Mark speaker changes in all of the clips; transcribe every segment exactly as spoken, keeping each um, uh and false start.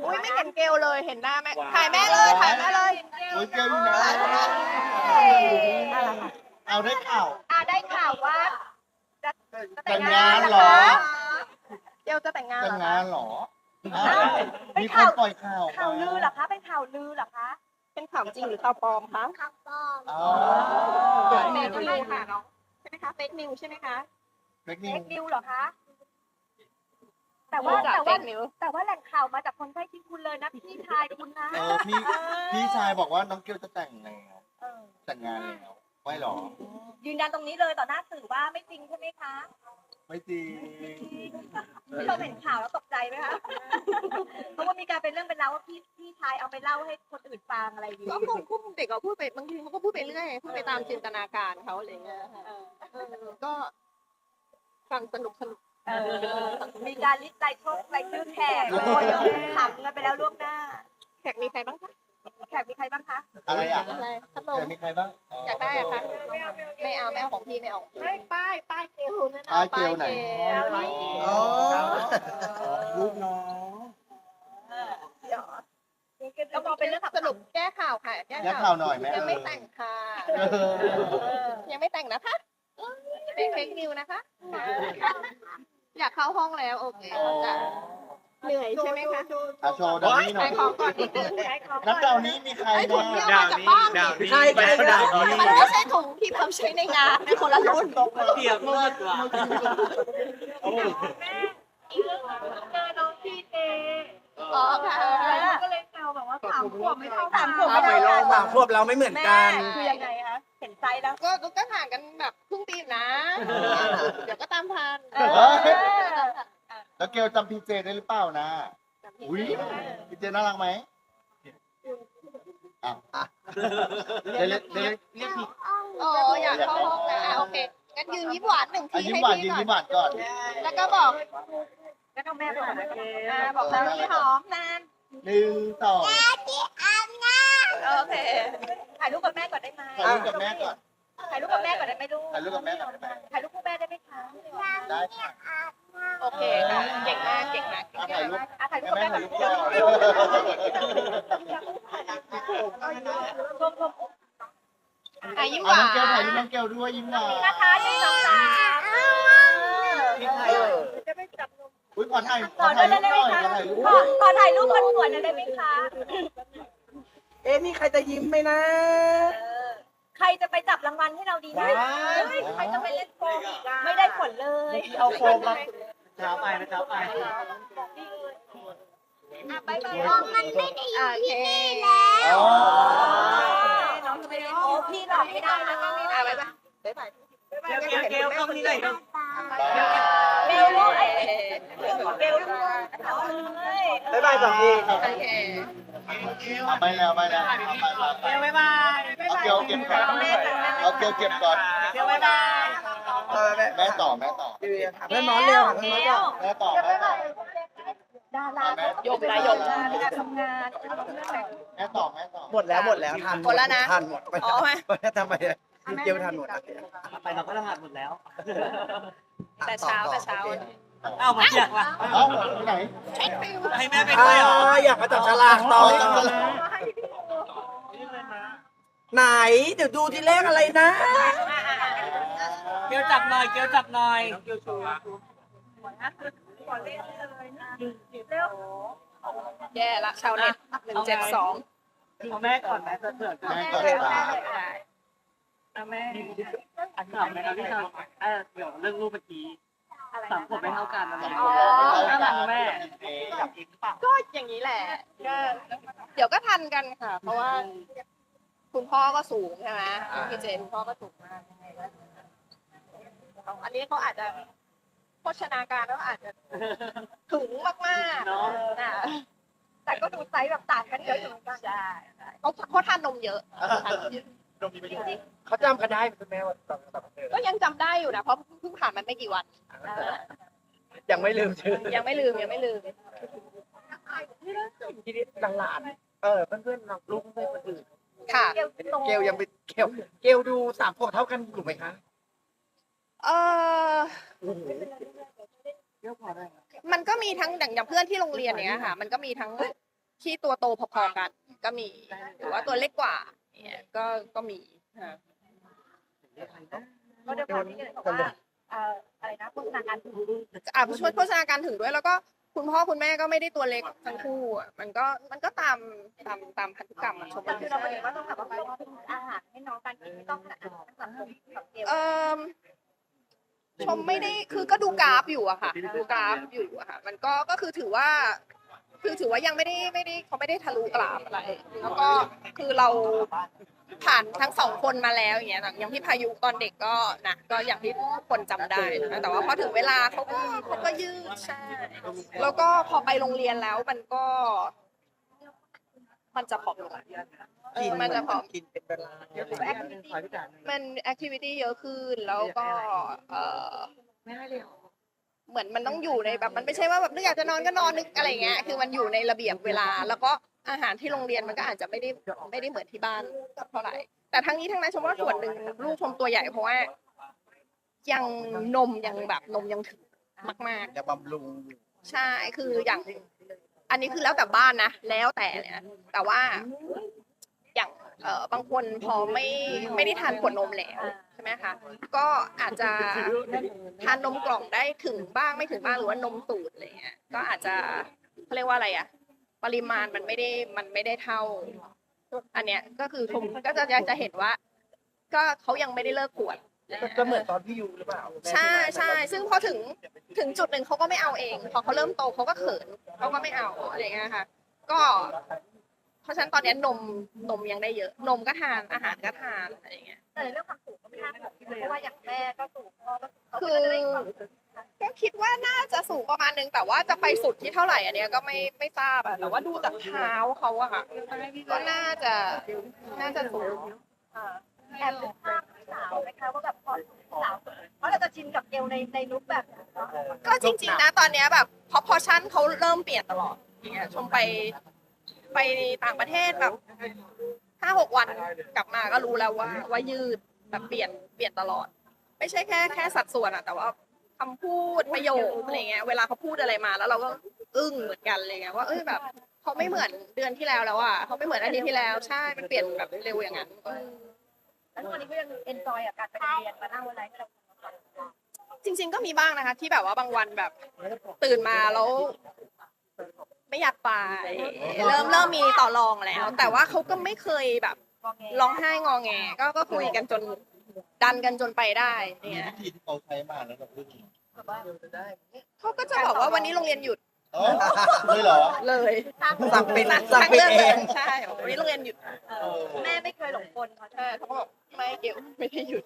Speaker 1: อุ้ยไม่เห็นเกลเลยเห็นหน้าแม่ถ่ายแม่เลยถ่ายแม่เลย
Speaker 2: โอ้ยเกลอยู่นะเอาได้ข่าว
Speaker 3: อ่าได้ข่าวว่าจะ
Speaker 2: แต่งงานเหรอ
Speaker 1: เกลจะแต่งงาน
Speaker 2: แต่
Speaker 1: เห
Speaker 2: ง
Speaker 1: รอง
Speaker 2: า
Speaker 1: คะ
Speaker 2: นเหรออ้าวมีคนปล่อยข่าว
Speaker 3: ข่าวลือเหรอคะเป็นข่าวลือเหรอคะ
Speaker 1: เป็นข่าวจริงหรือข่าวปลอมคะ
Speaker 3: ข่าวปลอม
Speaker 2: อ๋อ
Speaker 1: เฟกนิวค่ะน้องใช่ไหมคะเฟกนิวใช่ไหมคะ
Speaker 2: เฟกนิ
Speaker 3: เฟ
Speaker 2: ว
Speaker 3: กนิวเหรอคะแต่ว่า
Speaker 1: จาก
Speaker 3: แต่
Speaker 1: เฟ
Speaker 3: ว่าก
Speaker 1: นิว
Speaker 3: แต่ว่าแหล่งข่าวมาจากคนใกล้ชิดคุณเลยนะพี่ชายคุณนะ
Speaker 2: เออพี่พี่ชายบอกว่าน้องเกลจะแต่งแล้ว
Speaker 3: เออ
Speaker 2: แต่งงานแล้วไม่หรอ
Speaker 3: ยืนยันตรงนี้เลยต่อหน้าสื่อว่าไม่จริงใช่ไหมคะ
Speaker 2: ไม่จริง
Speaker 3: พี่ชมเห็นข่าวแล้วตกใจไหมคะเพราะว่ามีการเป็นเรื่องเป็นราวว่าพี่พี่ชายเอาไปเล่าให้คนอื่นฟังอะไรอย่าง
Speaker 1: ก็
Speaker 3: นี้
Speaker 1: คงพูดเด็กก็พูดไปบางทีเขาก็พูดไปเรื่อยพูดไปตามจินตนาการเขาอะไรเงี้ยค่ะ
Speaker 3: เออ
Speaker 1: เออก็ฟังสนุกสนุก
Speaker 3: เออมีการลิสต์รายชื่อรายชื่อแขกโอ้ยขำกันไปแล้วล่วงหน้า
Speaker 1: แขกมีใครบ้างคะ
Speaker 3: แขกมีใครบ้างคะ
Speaker 2: อะไรอ่ะ
Speaker 1: อะไรพัดล
Speaker 2: แต่
Speaker 1: ม
Speaker 2: มีใครบ้าง
Speaker 1: อยากได้อะคะไม่เอาไม่เอาของพี่ไม่เอา
Speaker 3: ไม่ป้ายป้ายเกลนั่น
Speaker 2: ป้ายเกลไหน
Speaker 1: ป้ายเกล
Speaker 2: อ๋อลูกน้อง
Speaker 3: ก็มองเป็นเรื่อง
Speaker 1: สรุปแก้ข่าวค่ะแก้
Speaker 2: แก้ข่าวหน่อยไหม
Speaker 1: ยังไม่แต่งค่ะ
Speaker 2: เออ
Speaker 1: ยังไม่แต่งนะคะเป็นเฟกนิวนะคะ อยากเข้าห้องแล้วโอเคจ้ะเหนื่อยใช่ไหมคะ
Speaker 2: อาโชว์ดาวนี้หน่
Speaker 1: ขา
Speaker 2: อย
Speaker 1: ยของก่อนนิดนึง
Speaker 2: นับดาวนี้มีใคร
Speaker 1: ไอ้ถุงที่
Speaker 2: บ้าง
Speaker 1: เอามาจากบ้าน
Speaker 4: ดาวนี้
Speaker 2: ใช่ใช่ใช่
Speaker 1: มันไม่ใช่ถุงที่เขาใช้ในงานเป็นคนละรุ่น
Speaker 4: เทียบเมื่อตัว
Speaker 3: แม่อีกเรื่องเจอน้องพีเจ
Speaker 1: อ๋อค่ะ
Speaker 3: ก็เลยแซวแบบว่าสามขวบไม่เท่าสามขวบ
Speaker 4: เอา
Speaker 3: ไม่
Speaker 4: ไป
Speaker 3: เท่า
Speaker 4: ลอง
Speaker 3: กัน
Speaker 4: สามควบเราไม่เหมือน
Speaker 3: แม่
Speaker 4: กัน
Speaker 3: คือยังไงคะเห็นไซส์แล้ว
Speaker 1: ก็ก็ห่างกันแบบครึ่งปีนะ เดี๋ยวก็ตามทัน
Speaker 3: เออ
Speaker 2: แล้วเกลจำพีเจได้หรือเปล่านะ อุ้ยพีเจน่ารักไหมอ้าวเดี๋ยวเดี๋ยวเดี๋ยว
Speaker 4: เรียกผิด
Speaker 1: อ๋ออยากเข้าห้องแล้วอ่ะโอเคงั้นยืนยิ้มหวานหนึ่ง
Speaker 2: อ่ะ
Speaker 1: ที
Speaker 2: ยิ้ม
Speaker 1: ให้
Speaker 2: หวาน
Speaker 1: พี่
Speaker 2: ยิ้ม
Speaker 1: ก่อน
Speaker 2: ยิ้มหวานก่อน
Speaker 1: แล้วก็บอก
Speaker 3: แล้วก็แม่บอกนะเก
Speaker 1: อ่าบอกน้ำที่หอมนาน
Speaker 2: หนึ่งสอง
Speaker 1: โอเค
Speaker 3: ถ่ายรูปกับแม่ก่อนได้ไหม
Speaker 2: ถ่ายรูปกับแม่ก่อน
Speaker 3: ถ่ายรูปกับแม่ก่อนได้ไหมลูก
Speaker 2: ถ่ายรูปกับแม่ก่อนได้ไหม
Speaker 3: ถ่ายรูปคู่แม่ได้ไหมคะ
Speaker 2: ได้ค่ะ
Speaker 1: โอเคค่ะเก่งมากเก่งมาก
Speaker 2: อ่ะถ่ายรูป
Speaker 3: อ่ะถ่ายรูป
Speaker 2: ให้
Speaker 3: กับ
Speaker 2: แม่
Speaker 3: แม่ก่
Speaker 2: ถ่า
Speaker 3: อย น
Speaker 2: รูปก่อน
Speaker 3: รวมรวม
Speaker 1: อ่ะยิ้มห
Speaker 2: เอา
Speaker 1: วา
Speaker 2: น้องเกลถ่าย
Speaker 1: น
Speaker 2: รูปน้องเกลด้วยยิ้มหวาน
Speaker 3: นะคะหนึ่งสองสาม
Speaker 4: มีใครเอ่ย
Speaker 3: จะไม่จับนม
Speaker 2: อุ้ยขอถ่ายข
Speaker 3: ข
Speaker 2: อ
Speaker 3: อ
Speaker 2: ถ่าย
Speaker 3: ได้
Speaker 2: รูป
Speaker 3: ไหม
Speaker 2: หน่อย
Speaker 3: คะ
Speaker 2: ขอถ่ายรูป
Speaker 3: ขอขอถ่ายรูปคนสวยหน่อยได้ไหมคะ
Speaker 4: เอ๊ะมีใครจะยิ้มไหมนะ
Speaker 3: เออใครจะไปจับรางวัลให้เราดีนะ
Speaker 4: ว้าว
Speaker 3: เฮ้ยใครจะไปเล่นโกงอีกอะไม่ได้ผลเลย
Speaker 4: เอาโฟมมาเช้าไปนะเช้าไป
Speaker 3: อ่ะไปไป
Speaker 1: มันไม่ได้อยู่ที่นี่
Speaker 2: อ๋อ
Speaker 3: น้องจะไปเล่นโอ้พี่หลอกไม่ได้นะต้องมี
Speaker 1: อ่ะไปไปไปไป
Speaker 4: เกลเกลเกลเข้ามานี่หน่อยครับ
Speaker 3: เบลลูกไอ้เบลลูกเอ้ย
Speaker 4: บ๊ายบายสองที
Speaker 1: โอเค
Speaker 2: เอาไปแล้วไปแล้วไปไปไป
Speaker 4: เกลบ๊ายบาย
Speaker 2: เอาเกลเก็บก่อนเอาเกลเก็บก่อน
Speaker 4: เกลบ๊ายบาย
Speaker 2: แม่ต่อแม่ต่อ
Speaker 4: เพื่อนน้องเร็วเพื่อนน้องก่อน
Speaker 2: แม่ต่อแม่ต่อ
Speaker 3: ดารา
Speaker 1: ยกนะยก
Speaker 3: เวลาทำงาน
Speaker 2: แม่ต่อแม่ต่อ
Speaker 4: หมดแล้วหมดแล้วทัน
Speaker 1: หมดแล้วนะ
Speaker 4: ทันหมดไป
Speaker 1: อ๋อไหม
Speaker 4: ทำไมเกลทันหมดไปเราก็รหัสหมดแล้ว
Speaker 1: แต่เช้าแต่เช้า
Speaker 4: อ้าวมาเจียกว่ะ
Speaker 2: เอ้าที่ไหน
Speaker 4: ให้แม่ไปด้วยเหรออยากมาจับฉลากต่อไหนเดี๋ยวดูที่เลขอะไรนะ เกลจับหน่อย เกลจับหน่อยเกลชู
Speaker 1: แย่ละชาวเน็ตหนึ่งเจ็ดสอง
Speaker 4: เอาแม่ก่อนแม่จะเผื่อก่อน
Speaker 2: แม่ก่อนจ้า
Speaker 4: เอาแม่อันถามไหมครับพี่ชายเออเดี๋ยวเรื่องรูปเมื่อกี้สามขวบไม่เท่ากันนะแม่
Speaker 2: เอาจ้า
Speaker 4: แม่
Speaker 2: จับ
Speaker 1: ก็อย่างนี้แหละก็เดี๋ยวก็ทันกันค่ะ เพราะว่า คุณพ่อก็สูงใช่ไหมพี่เจนคุณพ่อก็สูงมากอันนี้เขาอาจจะโภชนาการแล้วอาจจะถึงมากๆ
Speaker 4: เนาะ
Speaker 1: อ่ะ
Speaker 3: แต่ก็ดูไซส์แบบต่างกันเยอะอยู่เหมือนกัน
Speaker 1: ใช่เขาเขาทานนมเยอะทานนมเยอะ
Speaker 4: เขาจำกันได้คุณแม่ว่าตอนตอนเ
Speaker 1: ก็ยังจำได้อยู่นะเพราะเพิ่งผ่านมันไม่กี่วัน
Speaker 4: ยังไม่ลืมชื่อ
Speaker 1: ยังไม่ลืมยังไม่ลืม
Speaker 4: ทีนี้หลานๆเออเพื่อนๆน้องลูกเพื่อนคนอื่น
Speaker 1: ค่ะ
Speaker 3: เกลโต
Speaker 4: เกลยังเป็นเกลเกลดูสามขวบเท่ากันอยู่ไหมคะ
Speaker 1: เออ
Speaker 4: เกลพอได้
Speaker 1: มันก็มีทั้งอย่างอย่างเพื่อนที่โรงเรียนเนี้ยค่ะ มันก็มีทั้งที่ตัวโตพอๆกันก็มีหรือว่าตัวเล็กกว่าเนี่ยก็ก็มีค่ะ
Speaker 3: ก็ด้วยความที่บอกว่าเอ่ออะไรนะโฆษณาการถึง
Speaker 1: อ่ะช่วยโฆษณาการถึงด้วยแล้วก็คุณพ่อคุณแม่ก็ไม่ได้ตัวเล็กทั้งคู่อ่ะมันก็มันก็ตามตามตามพันธุกรรมอะชม
Speaker 3: แต่คือเราไปเห็นว่าต้องแบบว่าต้องอาหารให้น้องการกินไม่ต้องขนาดนั้นสังคมกับเกล
Speaker 1: เออชมไม่ได้คือก็ดูกราฟอยู่อะค่ะดูกราฟอยู่อะค่ะ มันก็ก็คือถือว่า คือถือว่ายังไม่ได้ไม่ได้เขาไม่ได้ทะลุกราฟอะไรแล้วก็คือเราผ่านทั้งสองคนมาแล้วอย่างเงี้ยอย่างพี่พายุตอนเด็กก็นะก็อย่างที่ทุกคนจำได้นะแต่ว่าพอถึงเวลาเขาก็เขาก็ยืดใช่แล้วก็พอไปโรงเรียนแล้วมันก็ มันจะผอมลงเออมันจะผอม
Speaker 5: กินเป็นเวลา
Speaker 1: มันแอคทิวิตี้เยอะขึ้นแล้วก็เออ
Speaker 4: ไม่ให้เลยเหรอ
Speaker 1: เหมือนมันต้องอยู่ในแบบมันไม่ใช่ว่าแบบนึกอยากจะนอนก็นอนนึกอะไรเงี้ยคือมันอยู่ในระเบียบเวลา แล้วก็อาหารที่โรงเรียนมันก็อาจจะไม่ได้ไม่ได้เหมือนที่บ้านเท่าไหร่แต่ทั้งนี้ทั้งนั้นชมว่าส่วนหนึ่งลูกชมตัวใหญ่เพราะว่ายังนมยังแบบนมยังถึงมาก
Speaker 2: จะบำรุง
Speaker 1: ๆ ใช่คืออย่างอันนี้คือแล้วแต่บ้านนะแล้วแต่เลยนะแต่ว่าอย่างเอ่อบางคนพอไม่ไม่ได้ทานขวดนมแล้วใช่ไหมคะก็อาจจะทานนมกล่องได้ถึงบ้างไม่ถึงบ้างหรือว่านมสูตรอะไรเงี้ยก็อาจจะเขาเรียกว่าอะไรอะปริมาณมันไม่ได้มันไม่ได้เท่า อันเนี้ยก็คือชมก็จะจะเห็นว่า ก็เขายังไม่ได้เลิกขวด
Speaker 5: ก็เหมือนตอนพี่ยูหรือเปล่า
Speaker 1: ใช่ใช่ซึ่งพอถึงถึงจุดหนึ่งเขาก็ไม่เอาเองพอเขาเริ่มโตเขาก็เขินเขาก็ไม่เอาอะไรอย่างเงี้ยค่ะ ก็ เพราะฉะนั้นตอนนี้นมนมยังได้เยอะ นมก็ทานอาหารก็ทานอะไรอย่างเงี้ย
Speaker 3: แต่ในเรื่องความสูงก็ไม่น่าห่วงเพราะว่าอย่างแม่ก็สูงพ่อก็สูงเขา
Speaker 1: คื
Speaker 3: ก็
Speaker 1: อ
Speaker 3: จะได้ความ
Speaker 1: ก็คิดว่าน่าจะสูงประมาณนึงแต่ว่าจะไปสุดที่เท่าไหร่อันเนี้ยก็ไม่ไม่ทราบอะแต่ว่าดูจากเท้าเขาอะค่ะก็น่าจะน่าจะสูง
Speaker 3: แอบเป็นภาพสาวไหมคะว่าแบบพอสาวเพราะเราจะชินกับเกลในในลุคแบบนั้นเนาะ
Speaker 1: ก็จริงๆนะตอนเนี้ยแบบพอพอชั่นเขาเริ่มเปลี่ยนตลอดอย่างเงี้ยชมไปไปต่างประเทศแบบห้าหกวันกลับมาก็รู้แล้วว่าว่ายืดแบบเปลี่ยนเปลี่ยนตลอด ไม่ใช่แค่แค่สัดส่วนอะแต่ว่าคำพูดประโยคอะไรเงี้ยเวลาเขาพูดอะไรมาแล้วเราก็อึ้งเหมือนกันเลยไงว่าเอ้ยแบบเขาไม่เหมือนเดือนที่แล้วแล้วอ่ะเขาไม่เหมือนอาทิตย์ที่แล้วใช่มันเปลี่ยนแบบเร็วอย่างนั้น
Speaker 3: แล้วทุกวันนี้ก็ยังเอนจอยกับการไปโรงเรียนมานั่งอะไรให้เรา
Speaker 1: จริง ๆ ก็มีบ้างนะคะ ที่แบบว่าบางวันแบบตื่นมาแล้ว ไม่อยากไปเริ่มเริ่มมีต่อรองแล้ว แต่ว่าเขาก็ไม่เคยแบบ
Speaker 3: มองไง
Speaker 1: ร้องไห้งอแงก็ก็คุยกันจนดันกันจนไปได้เนี่ย
Speaker 2: วิธีที่เขาใช้มาแล้วแบบนี้
Speaker 3: แบบว่า
Speaker 1: เขาก็จะบอกว่าวันนี้โรงเรียนหยุด
Speaker 2: เออเลยเหรอ
Speaker 1: เลย
Speaker 5: สั่งปิดสั่งปิดเอง
Speaker 1: ใช่วันนี้โรงเรียนหยุด
Speaker 3: เออแม่ไม่เคยหลงกลเขาใช่
Speaker 1: ใช่เขาก็บอกไม่เกี่ยวไม่ได้หยุด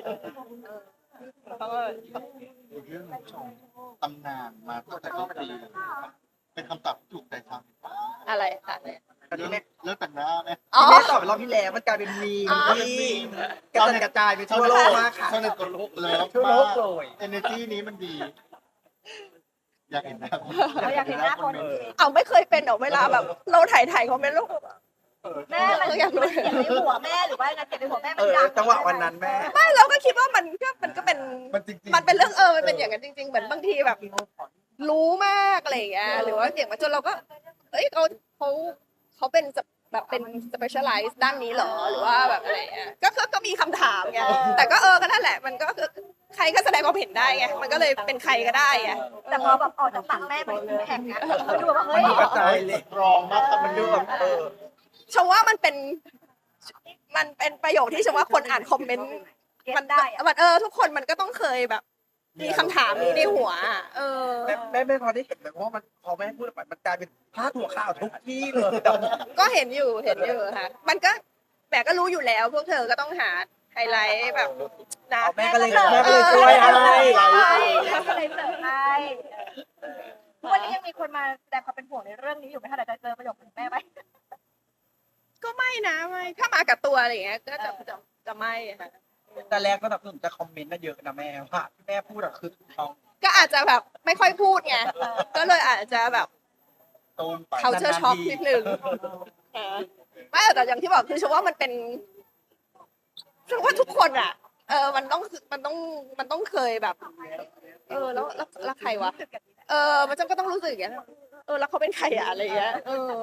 Speaker 1: เขาก็
Speaker 2: เรื่องของชมตำนานมาตั้งแต่ต้นปีเป็นคำตอบที่ถูกใจซ้ำ
Speaker 1: อะไรค่ะ
Speaker 2: เรื่องเรื่องแต่งหน้าไหม
Speaker 1: อ๋อ
Speaker 5: แม่ตอบไปรอบที่แล้วมันกลายเป็นมีมที่กระจัดกระจายไปทั่วโลกมากค่ะ
Speaker 2: ชาวเน็ตกดโลกเลย
Speaker 5: ทั่วโลกเลย
Speaker 2: เอเนจีนี้มันดี อยากเห็นหน้าคน
Speaker 3: เราอยากเห็นหน้าคน
Speaker 1: เอาไม่เคยเป็นเหรอเวลาแบบ เราถ่ายถ่ายเขาเป็นลูก
Speaker 3: แม่มัน
Speaker 1: อยากรู้
Speaker 3: เก็บในหัวแม่หรือว่าไงเก็บในหัวแม่
Speaker 5: เอ
Speaker 3: มัน
Speaker 5: อ
Speaker 3: ดัง
Speaker 5: จังหวะวันนั้นแม่
Speaker 1: ไม่เราก็คิดว่ามันก็มันก็เป็น
Speaker 2: มันจริงๆ
Speaker 1: มันเป็นเรื่องเออมันเป็นอย่างนั้นจริง ๆ เหมือนบางทีแบบ รู้มากอะไรอย่างเงี้ยหรือว่าเก่งมาจนเราก็เอ้ยเขาเขาเขาเป็นแบบเป็น specialize ด้านนี้เหรอหรือว่าแบบอะไรอย่างเงี้ยก็ก็ก็มีคำถามไงแต่ก็เออก็นั่นแหละมันก็คือใครก็แสดงความเห็นได้ไงมันก็เลยเป็นใครก็ได้ไง
Speaker 3: แต่พอแบบออกจากปากแม่มันแข็งนะมันดูแบบว่าเฮ้ย
Speaker 5: มันกระจายเลย
Speaker 2: รองมาก
Speaker 5: มันดูแบบเออ
Speaker 1: ชมว่ามันเป็น มันเป็นประโยคที่ชมว่าคนอ่านคอมเมนต์
Speaker 3: เก็
Speaker 1: มั
Speaker 3: บได้อะ
Speaker 1: มันเออทุกคนมันก็ต้องเคยแบบ มีคำถามนี้ในหัวอะเออ
Speaker 5: แม่แม่ไม่พอได้เห็นเลยเพราะว่ามันพอแม่พูดออกไปมันกลายเป็นพาดหัวข่าวทุกที่เลย
Speaker 1: ก็เห็นอยู่เห็นอยู่ค่ะ มันก็แต่ก็รู้อยู่แล้ว พวกเธอก็ต้องหาไฮไลท์แบบนะ
Speaker 5: แม่ก็เลยแม่ก็เลยช่วยให้
Speaker 3: แม่ก็เลยเสิร์ฟให้ทุกวันนี้ยังมีคนมาแสดงความเป็นห่วงในเรื่องนี้อยู่ไหมคะเดี๋ยวจะเจอประโยคของแม่ไหม
Speaker 1: ก็ไม่นะไม่ถ้ามากับตัวอะไรอย่างเงี้ยก็จะจะจะไม่ค่ะ
Speaker 5: แต่แรกก็แบบหนุ่มจะคอมเมนต์น่ะเยอะนะแม่ว่าที่แม่พูดอะคือถูกต้อง
Speaker 1: ก็อาจจะแบบไม่ค่อยพูดไงก็เลยอาจจะแบบ
Speaker 2: ตูมไป
Speaker 1: เขาเชอร์ช็อกนิดนึงเออไม่แต่อย่างที่บอกคือฉันว่ามันเป็นฉันว่าทุกคนอ่ะ เออ มันต้องมันต้องมันต้องเคยแบบ เออ แล้วแล้วแล้วใครวะ เออ มันจำก็ต้องรู้สึกอย่างนี้ยเออแล้วเขาเป็นใครอะอะไรเงี้ยเออ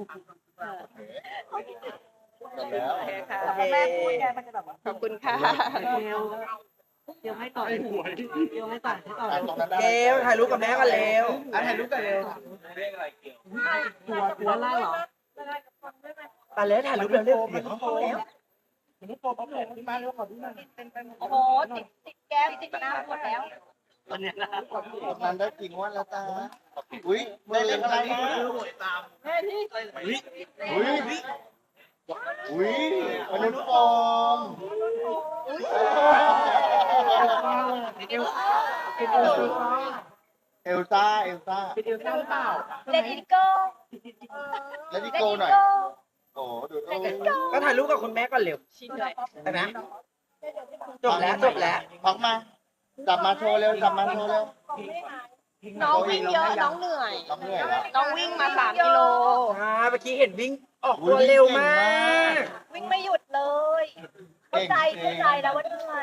Speaker 2: เสร็จแล้ว
Speaker 1: โอเคค่ะ
Speaker 3: แต่พอแม่พูดไงมันจะแบบว่า
Speaker 1: ขอบคุณค่ะ
Speaker 4: เร็วเดี๋ยวให้ต่อเดี๋ยวให้ต่อให้ต่อ
Speaker 2: อ่ะตรงนั้นได้
Speaker 5: เร็วถ่ายรูปกับแม่กันเร็วอ่ะถ่ายรูปกันเร็ว
Speaker 4: ตัวตัวล่างเหรอ
Speaker 5: ไปเลยถ่ายรูปเร็วเร็วเดี๋ยวเขาเข้าแล้ว
Speaker 3: โอ้โหติดติดแก้มติดหน้าหมดแล้ว
Speaker 4: ตอนเนี้ยนะ
Speaker 2: ตรงนั้นได้กี่งวดแล้วจ้าอุ้ยได้เลขอะไรนะอุ้ยอุ้ยอุ้ยมนุษย์ปลอม เอลซ่าเอลซ่า
Speaker 4: เป็นเอลซ่าหรือเปล่า
Speaker 3: เลดี้โก้
Speaker 2: แล้วดิโก้หน่อย โอ้ดูโอ้
Speaker 5: ก็ถ่ายรูปกับคุณแม่ก่อนเร็ว
Speaker 1: ชิ้นเลย
Speaker 5: ใช่ไหมจบแล้วจบแล้ว
Speaker 2: พักมา จับมาโชว์เร็ว จับมาโชว์เร็ว
Speaker 1: น้องวิ่งเยอะน้องเหนื่อย
Speaker 2: ต้องเหนื่อยแล้ว
Speaker 1: น้องวิ่งมาสามกิโล
Speaker 5: อ่าเมื่อกี้เห็นวิ่งออกตัวเร็วมาก
Speaker 3: วิ่งไม่หยุดเลยเข้าใจเข้าใจแล้วว่าเหนื่อย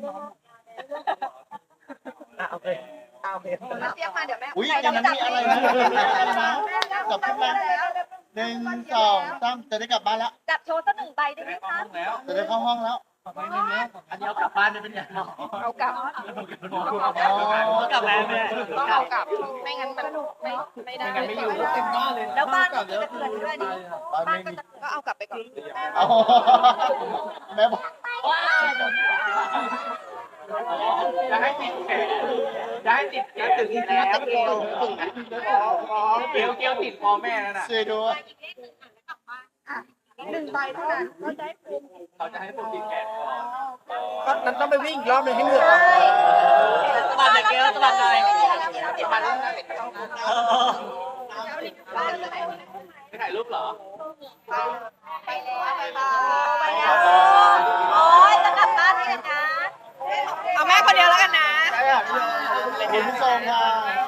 Speaker 5: อ่ะโอเคอ่ะโอเค
Speaker 1: มาเสียกมาเดี๋ยวแม่
Speaker 2: อุ้ยอย่างนั้นมีอะไรนะอะไรนะจับขึ้นมาหนึ่งสองสามจะได้กลับบ้านแล้ว
Speaker 3: จับโชว์สักหนึ่งใบได้ไหมคะ
Speaker 2: จะได้เข้าห้องแล้ว
Speaker 4: อันนี้เอากลับบ้านได้เป็นยังไง
Speaker 1: เอากลับ
Speaker 4: เอากลับแล้วแม่
Speaker 1: ต้องเอากลับ ไม่งั้นมันไม่ไม่ได้
Speaker 4: ไม่อยู่เต็มบ้านเลย
Speaker 3: แล้วบ้านก็จะเตือนด้วยดิ
Speaker 2: บ้าน
Speaker 3: บ้า
Speaker 2: ไม่
Speaker 3: นก็
Speaker 2: มี
Speaker 3: จะ
Speaker 1: ก็เอากลับไปก่อน
Speaker 2: เอาแม่บอก
Speaker 4: จะให้ติดแขนจะให้ติดแขนถึงอีกแล้วเกลียวเกลียวเกลียวติดคอแม่แล้วน่ะ
Speaker 2: ช่วยด้วย
Speaker 3: หนึ่งใบเท่านั้นเขาจะให้ภูมิ
Speaker 4: เขาจะให้ผมติดแขน
Speaker 5: ก็นั้นต้องไปวิ่งอีกรอบหนึงให้เหนื่อย
Speaker 4: สะบัดเลยเกลียวสะบัดเลยสะบัดเลยไม่ถ่ายรูปเหรอ
Speaker 3: ไปแล้วไปแล้วโอ้ยจะกลับบ้านนี่นะ
Speaker 1: เอาแม่คนเดียวแล้วกันนะ
Speaker 2: ขอบคุณผู้ชมค่ะ